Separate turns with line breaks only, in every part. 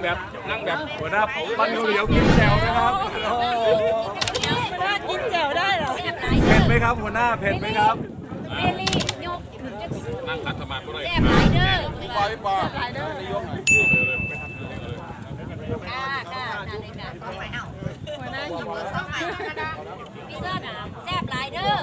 แบบหัวหน้าปั้นเหลียวกินแจ่วนะครับ
กินแจ่วได้เหรอ
เผ็ดไหมครับหัวหน้าเผ็ดไหมครับ
เอลี่ยกถึงจะ
นั่งคัดสมาธิเลย
แซ่บหลายเด้อ
ปล่อยปล่อย
ค่ะนั่นเลยค่ะต้องไปเอาหัวหน้าหิวต้องไปพี่เสื้อหนาวแซ่บหลายเด้อ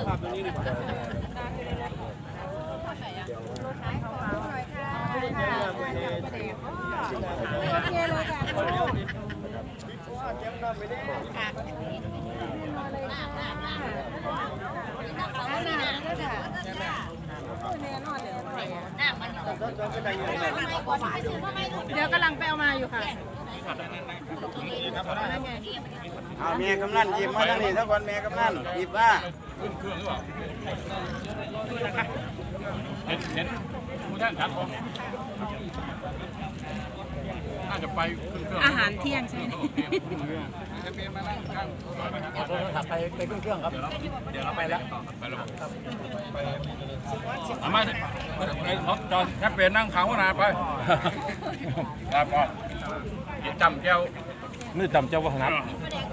เดี๋ยวกำลังไปเอามาอยู่ค่ะ
เอาเมียกำนันหยิบมาทั้งนี้ทั้งคนเมียกำนันหยิบมา
ขึ้นเครื่องหรือเปล่าเห็นผู้ท่านชัดผมน่าจะไปขึ้นเครื่อง
อาหารเที่ยงใช่ไหม
ขับไปขึ้นเครื่องครับเดี๋ยวเราไปแล้ว
ไปแล้วเอามาไอ้เขาจอดแค่เปลี่ยนนั่งขาวนาไปครับพ่อจำเจ้านี่จำเจ้าวัฒนธรรม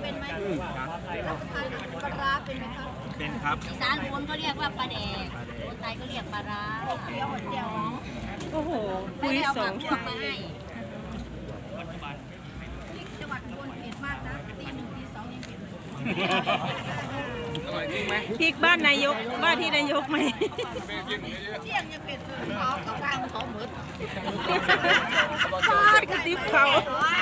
ปลาร้าเป็นไหมคะ
เป็นครับ
อีสานคนก็เรียกว่าปลาแดกคนไทยก็เรียกปลาร้าเดียว
โอ้โหคุยสอง
จังหวัดอุบลเผ็ดมากนะตี 1 ตี 2ยังเผ็ด
พริกบ้านนายกบ้านที่นายกไหม
เที่ยงยังเผ็ดเลยเขากลางเขาหมด
ฟาดกระติบเขา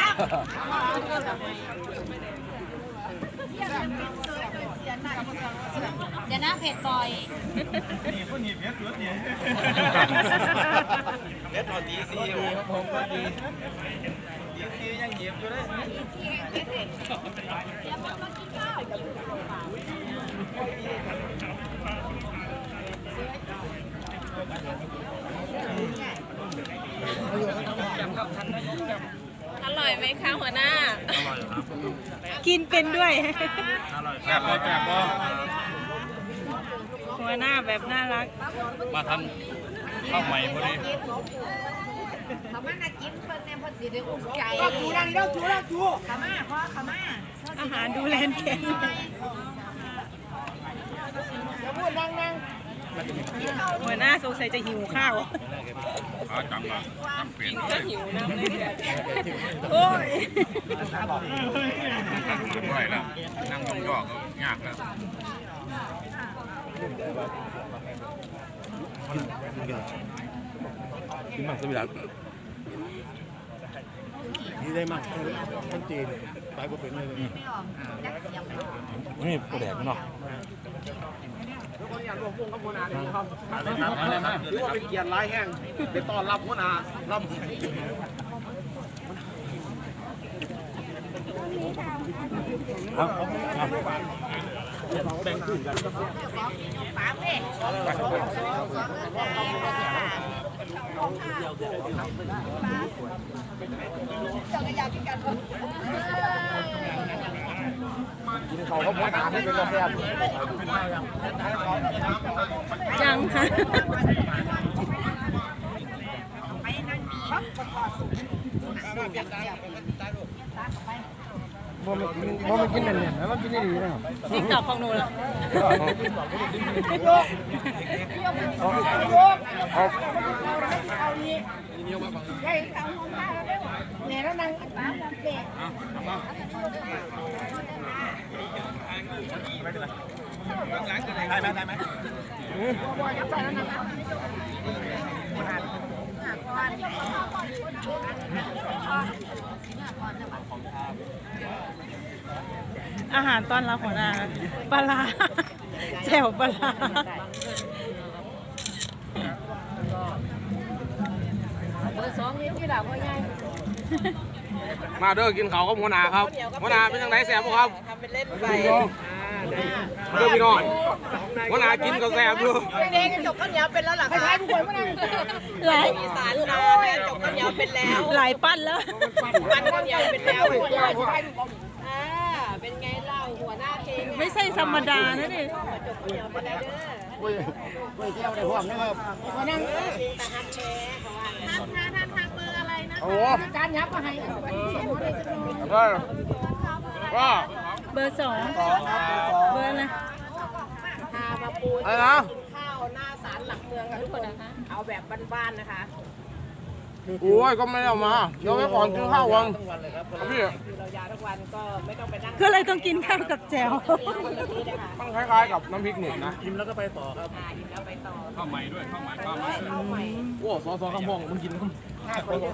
เดี๋ยวนะเผ็ดบ่อย
นี่คนหยิบเผ็ดตัวนี้เผ็ดหน่อยดีสิผมก็ดีดีสิยังหยิบอยู่เลย
อร่อยไหมคะหัวหน้า
อร่อยครับ
กินเป็นด้วย
อร่อยแซ่บบ่แซ่บบ่
หัวหน้าแบบน่ารัก
มาทำข้าวใหม่พอดี
เขามาน่ากินเพิ่นแน่เพิ่นสิได้อุ่นใจ
จูดังเด้อจูดังจู
ขามาพ่อขามา
อาหารดูแลแข็งหัวหน้าสงสัยจะหิวข้าว
จังมาเปลี่ยน
จะหิวน้ำเลยโอ้ย
ไม่แล้วนั่งยองๆก็ยากแล้วกินมากสวิรัตินี่ได้มากทั้งจีนตายก็เป็นเลยนี่โปรแดกเนาะ
ทุกคนอยากรวมวงกับหัวหน้าเลยครับอะไรนะหรือว่าเป็นเกียรติร้ายแห้งไปต้อนรับหัวหน้ารับ
ครับ
แบ่งขึ้นกัน
ฝาเป้
กินเขาก็พอตามให้เป็นกาแฟ
จังค่ะ
มันกินเนี่ยนะมันกินได้ดีนะครับ
ติ๊กตอกของหนูเหรอ
เนี่ยแล้วนั่งตามเด็ก
ได้ไหม
อาหารต้อนรับหัวหน้าปลาแจ่วปลา
เบอร์ 2นี่ที่หลังว่าไง
มาเด้อกินเขาก็หัวหน้าครับหัวหน้าเป็นยังไงแซ่บครับ
ทำเป็นเล่นไป
เด้อพี่น้องหัวหน้ากินก็แซ่บอยู่
เด็กจบข้าวเหนียวเป็นแล้วหรอคะทุกคนหลายอีสานเราจบข้าวเหนียวเป็นแล้ว
หลายปั้นแล้ว
ปั้นข้าวเหนียวเป็นแล้วเป็นไงเล่าหัวหน้าเพลง
ไม่ใช่ธรรมดานะนี่
จบข้าวเหนียวเป็นแล้วเด้
อเที่ยวได้พวกนะครับ
มานั่งตาฮักแชร์เขาว่าท่านเบอร์อะไรนะ
โอ้
การยับมาให้
ก็
เบอร์2เบอร์นะ
อะไรนะ
ข้าวหน้าศาลหลักเมืองค่ะทุกคนนะคะเอาแบบบ้านๆนะคะ
โอ้ยก็ไม่ได้เอามาเดี๋ยวไว้ก่อนกินข้าววันพี่
คือเรายาวทุกวันก็ไม่ต้องไปนั่ง
ก็เลยต้องกินข้าวกับแจ่ว
คนละที่นะคะ
มันคล้ายๆกับน้ำพริกหนุ่มนะ
กินแล้วไปต่อ
ข้าวใหม่ด้วยข้าวใหม่ข้าวใหม่
ข้าวใหม่
โอ้ซอข้าวพองมึงกินข้าว
ง่ายกว่าเยอะ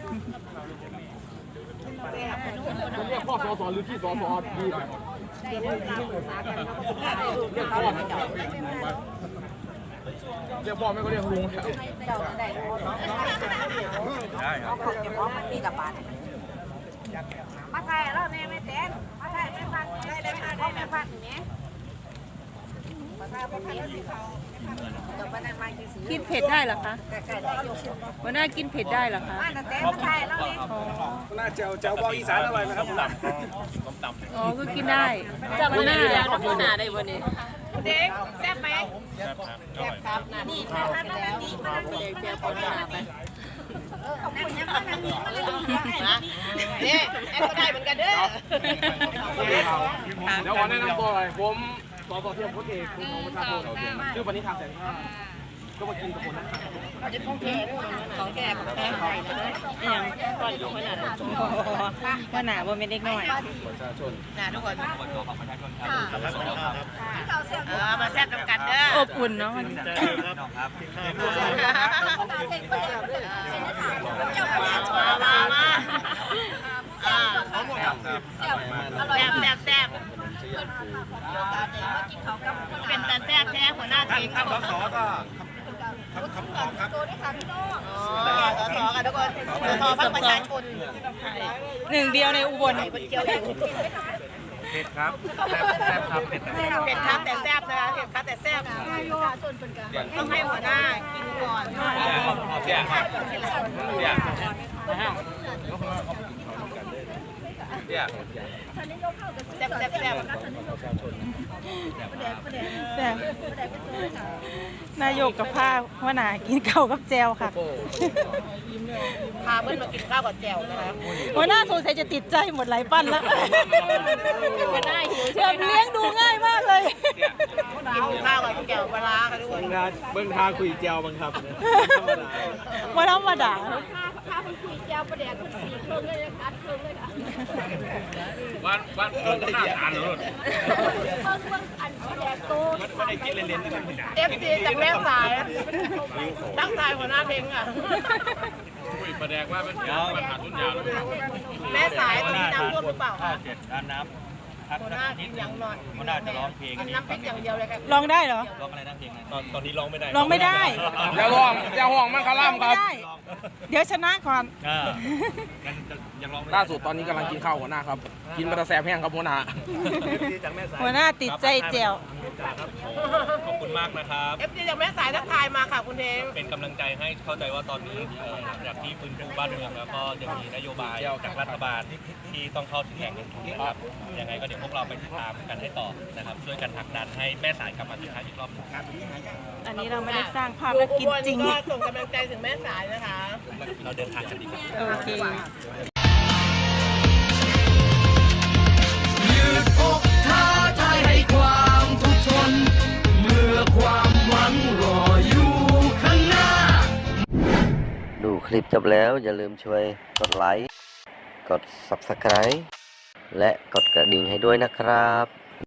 ผมเรียกพ่อสอหรือพี่สอดีหน่อย
ได้เรื่องราวศึกษากันเขาก็ได้เรื่องเขาไม่เจ้า
เรียกพ่อไม่ก็เรียกลุง
ได้ครับเขาจะพร้อมมันมีกับบาทมาไทยแล้วแม่ไม่เต้นมาไทยไม่พักได้ไม่พักเนี่ยมาไทยไม่พักสิเขาจบวันนั้นมากี่สี
กินเผ็ดได้เหรอคะ
ใกล้ๆได้ยก
หัวหน้ากินเผ็ดได้เหรอคะ
มาเต้นมาไทยแล้วเนี่ย
หน้าเจ้าบอกอีสานอร่อยไหมครับ
อ๋อก็กินได้หัวหน้า
เด็กแซ่บไหมแซ่บครับนี่แซ่บครับแล้วนี่มาเด็กแซ่บคนหน้าไปขอบคุณนะนั่งนี่มาเลยนี่แอปก็ได้เหมือนกันเด้อ
เดี๋ยวขอแนะนำตัวหน่อยผมสอเทียมโค้ชเอกคุณของประชาชนชื่อปณิธานแสงข้าก็มากินกับคนนั้น
ของแก่ของแก่ของแก่ไทยเลย
อย่างว่าหนาว่าไม่เล็กน้อย
นะทุกคนมาแซ่บน้ำกันเด้อ
อบอุ่นเนาะมัน
มาแซ่บเป็นตาแซ่บแท้หัวหน้าทีมครับสอก็สอค่ะทุกคนสอพักประชาชน
หนึ่งเดียวในอุบล
เกี่ยวอยู่
เผ็ดครับแซ่บครับเผ็ด
เผ็ดครับแต่แซ่บนะคะเผ็ดครับแต่แซ่บต้องให้หัวหน้ากินก่อน
เสียเสีย
แซ่บแซ่บแซ่บ
แต่นายกกับผ้าว่าหนากินข้าวกับแจวค่ะ
พาเพื่อนมากินข้าวกับแจ่วนะคะ
หัวหน้าสงสัยจะติดใจหมดหลายปั้นแล้ว
หัวหน้าหิว
เชิญเลี้ยงดูง่ายมากเลย
กินข้าวกับแจ่วปลาค่ะทุกคน
เบิ้งทาคุยเจียวบังครับ
ว่าธรรมดา
วันหน้าทานเลย
เอฟซีจากแม่สายตั้งใจหัวหน้าเพลงอ่ะ
คุยประแดกว่าเป็นปัญหาทุนยาวเลย
แม่สายตอนนี้น้ำท่วมหรือเปล่าคะ
ด้านน้ำพัก
หัวห
สั
น้าก
นิด
อย่างนอน
หัวหน้าจะร้องเพลง
มันน้ำพริกอย่างเดียวเลยค่ะ
ลองได้เหรอ
ร้องอะไรนะเพลงนั้นตอนนี้ร้องไม่ได้
ลองไม่ได้
อย่าห่วงมันคาร่ำครับ
ไม่ได้ เดี๋ยวชนะก่อน
งั้นยังร้องไม่
ล่าสุดตอนนี้กำลังกินข้าวหัวหน้าครับ กินมาแต่แซ่บแห้งครับหัวหน้า
หัวหน้าติดใจแจว
ขอบคุณมากนะครับ
เอฟซีจากแม่สายทักทายมาค่ะคุณเทง
เป็นกำลังใจให้เข้าใจว่าตอนนี้หลังจากที่ฟื้นฟูบ้านเมืองแล้วก็ยังมีนโยบายจากรัฐบาลที่ต้องเข้าถึงแหล่งเงินทุนนะครับยังไงก็เดี๋ยวพวกเราไปติดตามกันให้ต่อนะครับช่วยกันผลักดันให้แม่สายกลับมาคึกคักอีกรอบหนึงครับ
อันนี้เราไม่ได้สร้างภาพและกินจริง
ก็ส่งกำลังใจถึงแม่สายนะคะ
เราเดินทางกันดีกว่า
โอเค
ยืดอกท้าทายให้ความทุกข์ทนเมื่อความหวังรออยู่ข้างหน้า
ดูคลิปจบแล้วอย่าลืมช่วยกดไลค์ กด Subscribe และกดกระดิ่งให้ด้วยนะครับ